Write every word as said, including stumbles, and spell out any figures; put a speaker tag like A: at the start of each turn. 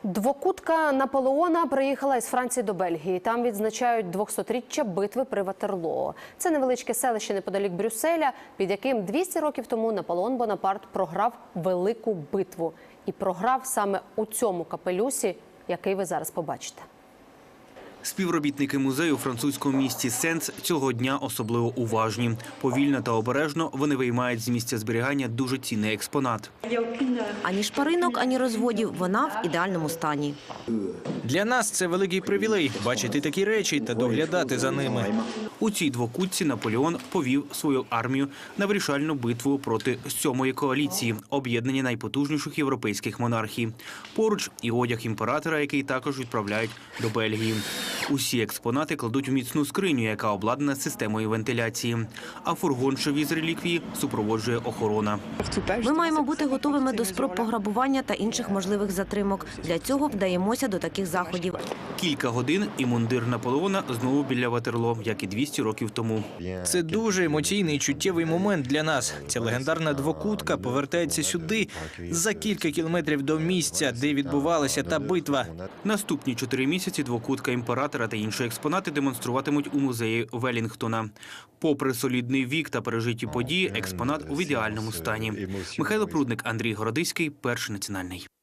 A: Двокутка Наполеона приїхала із Франції до Бельгії. Там відзначають двохсотріччя битви при Ватерлоо. Це невеличке селище неподалік Брюсселя, під яким двісті років тому Наполеон Бонапарт програв велику битву. І програв саме у цьому капелюсі, який ви зараз побачите.
B: Співробітники музею у французькому місті Сенс цього дня особливо уважні. Повільно та обережно вони виймають з місця зберігання дуже цінний експонат.
C: Ані шпаринок, ані розводів. Вона в ідеальному стані.
D: Для нас це великий привілей – бачити такі речі та доглядати за ними.
B: У цій двокутці Наполеон повів свою армію на вирішальну битву проти сьомої коаліції – об'єднання найпотужніших європейських монархій. Поруч і одяг імператора, який також відправляють до Бельгії. Усі експонати кладуть у міцну скриню, яка обладнана системою вентиляції. А фургон, що віз реліквії, супроводжує охорона.
C: Ми маємо бути готовими до спроб пограбування та інших можливих затримок. Для цього вдаємося до таких заходів.
B: Кілька годин і мундир Наполеона знову біля Ватерлоо, як і двісті років тому.
D: Це дуже емоційний і чуттєвий момент для нас. Ця легендарна двокутка повертається сюди, за кілька кілометрів до місця, де відбувалася та битва.
B: Наступні чотири місяці двокутка імператора та інші експонати демонструватимуть у музеї Велінгтона. Попри солідний вік та пережиті події, експонат у ідеальному стані. Михайло Прудник, Андрій Городиський, Перший національний.